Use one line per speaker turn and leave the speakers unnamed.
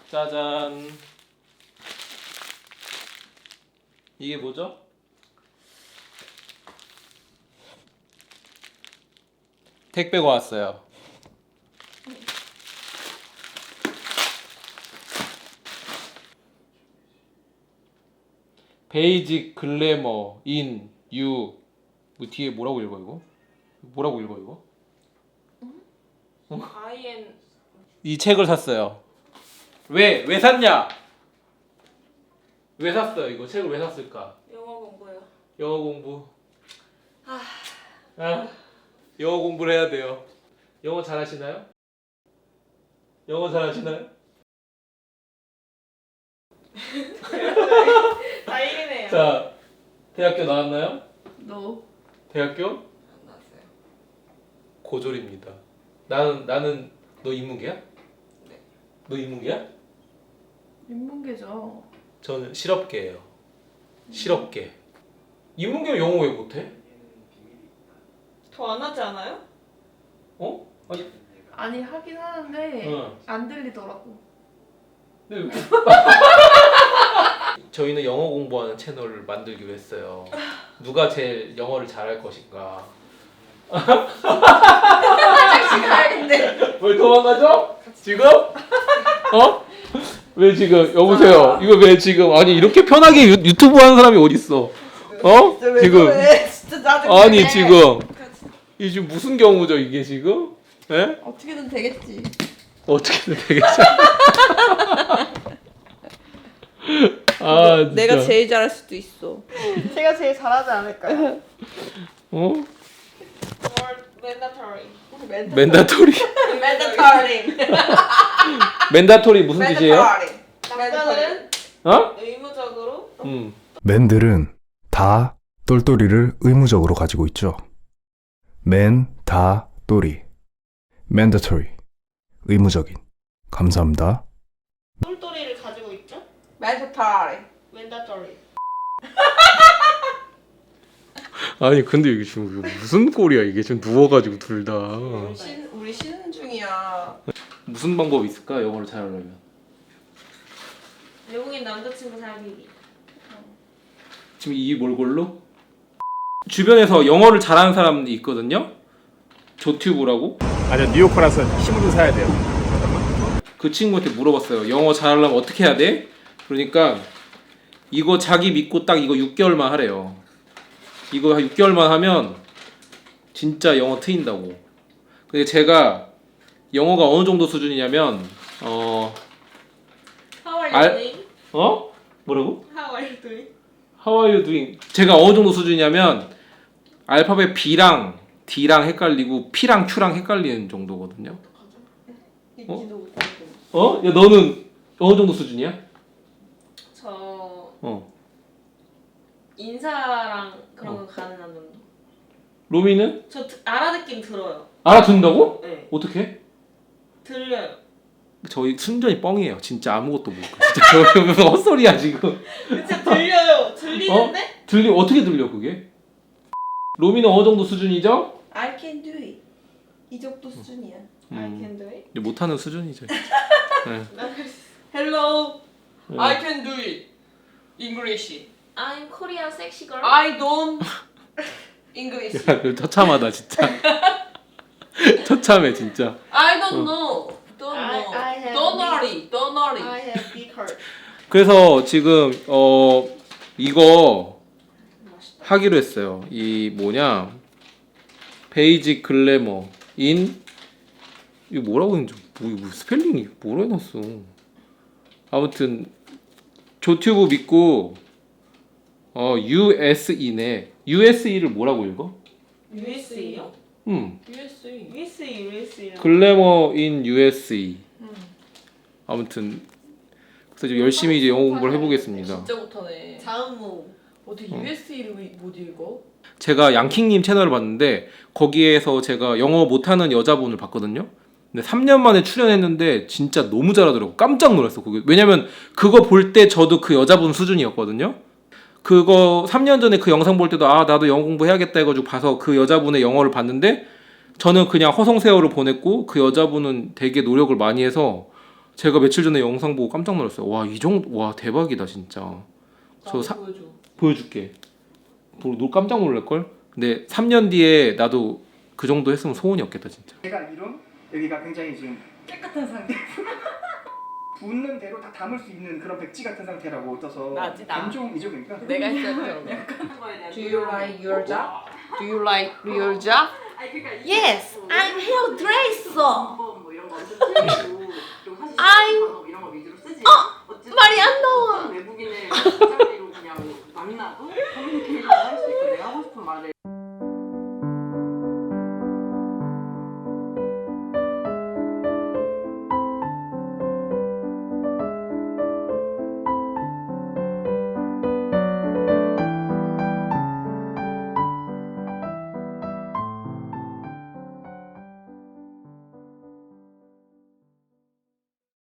짜잔. 이게 뭐죠? 택배가 왔어요. 베이직 글래머 인 유. 뭐 뒤에 뭐라고 읽어 이거? 뭐라고 읽어 이거?
IN
이 책을 샀어요. 왜 샀냐? 왜 샀어요? 이거 책을 왜 샀을까?
영어 공부요.
영어 공부. 영어 공부를 해야 돼요. 영어 잘하시나요? 영어 잘하시나요?
IN이에요.
자, 대학교 나왔나요?
No.
대학교?
안 나왔어요.
고졸입니다. 나는 너 인문계야?
네.
너 인문계야?
인문계죠.
저는 실업계예요. 실업계. 인문계 영어 왜 못해?
더 안 하지 않아요?
어?
아니 하긴 하는데
응.
안 들리더라고.
네. 저희는 영어 공부하는 채널을 만들기로 했어요. 누가 제일 영어를 잘할 것인가?
화장실 가야겠네.
왜 도망가죠? 지금? 어? 왜 지금? 여보세요. 이거 왜 지금? 아니 이렇게 편하게 유튜브 하는 사람이 어딨어? 어? 지금?
진짜 짜증나.
아니 지금 이 지금 무슨 경우죠 이게 지금? 예?
어떻게든 되겠지.
어떻게든 되겠죠? 아 진짜.
내가 제일 잘할 수도 있어.
제가 제일 잘하지 않을까요?
어?
Mandatory.
맨다토리.
맨다터링.
맨다토리 무슨 뜻이에요?
남자는
어?
의무적으로
맨들은 다 똘똘이를 의무적으로 가지고 있죠. 맨, 다, 똘이. mandatory. 의무적인. 감사합니다.
똘똘이를 가지고 있죠?
맨다터링.
Mandatory.
아니 근데 이게 지금 이거 무슨 꼴이야 이게 지금 누워가지고 둘 다.
우리 쉬는 중이야.
무슨 방법이 있을까 영어를 잘하려면?
외국인 남자친구 사귀기.
지금 이 몰골로? 주변에서 영어를 잘하는 사람이 있거든요. 조튜브라고.
아니요 뉴요커라서 힘으로 사야 돼요.
그 친구한테 물어봤어요. 영어 잘하려면 어떻게 해야 돼? 그러니까 이거 자기 믿고 딱 이거 6개월만 하래요. 이거 한 6개월만 하면 진짜 영어 트인다고. 근데 제가 영어가 어느 정도 수준이냐면
How are you
알-
doing?
뭐라고?
How are you doing?
How are you doing? 제가 어느 정도 수준이냐면 알파벳 B랑 D랑 헷갈리고 P랑 Q랑 헷갈리는 정도거든요.
읽지도 못하고.
야 너는 어느 정도 수준이야?
저
어.
인사랑 그런 거 가능한 정도.
로미는
저 알아듣긴 들어요.
알아듣는다고?
네.
어떻게?
들려요.
저희 순전히 뻥이에요. 진짜 아무것도 모르고. 진짜 저희 무슨 헛소리야 지금.
진짜 들려요. 들리는데?
어떻게 들려 그게? 로미는 어느 정도 수준이죠?
I can do it. 이 정도 수준이야.
I can do it.
못하는 수준이죠. 네.
Hello.
네.
I can do it. English.
I'm Korean sexy girl.
I don't English.
야, 이거 처참하다 진짜. 처참해 진짜.
I don't know. Don't
I-
know.
I have
Don't
big-
worry. Don't worry.
I have big heart.
그래서 지금 이거 하기로 했어요. 이 뭐냐? 베이직 글래머 인 이거 뭐라고 했는지 뭐 스펠링이 뭐라 해놨어. 아무튼 조튜브 믿고 USE네. USE를 뭐라고 읽어?
USE요?
USA.
USE.
글래머 인 USE. 아무튼 그래서 이제 열심히 이제 영어 공부를 해보겠습니다.
진짜 못하네.
자음모.
어떻게 USA를 못 읽어?
제가 양킹님 채널을 봤는데 거기에서 제가 영어 못하는 여자분을 봤거든요. 근데 3년 만에 출연했는데 진짜 너무 잘하더라고. 깜짝 놀랐어. 그게. 왜냐면 그거 볼 때 저도 그 여자분 수준이었거든요. 그거 3년 전에 그 영상 볼 때도 나도 영어 공부해야겠다 해가지고 봐서 그 여자분의 영어를 봤는데 저는 그냥 허송세월을 보냈고 그 여자분은 되게 노력을 많이 해서 제가 며칠 전에 영상 보고 깜짝 놀랐어요. 와, 이 정도, 와, 대박이다 진짜.
나도
사-
보여줘.
보여줄게. 너 깜짝 놀랄걸? 근데 3년 뒤에 나도 그 정도 했으면 소원이 없겠다 진짜.
제가 이룬 여기가 굉장히 지금 깨끗한 상태. 붓는 대로 다 담을 수 있는 그런 백지 같은 상태라고 떠서
나지, 나.
뱀종이죠 그러니까.
내가 했었죠. Do you like your job? Do you like your job?
Yes, I'm hairdresser.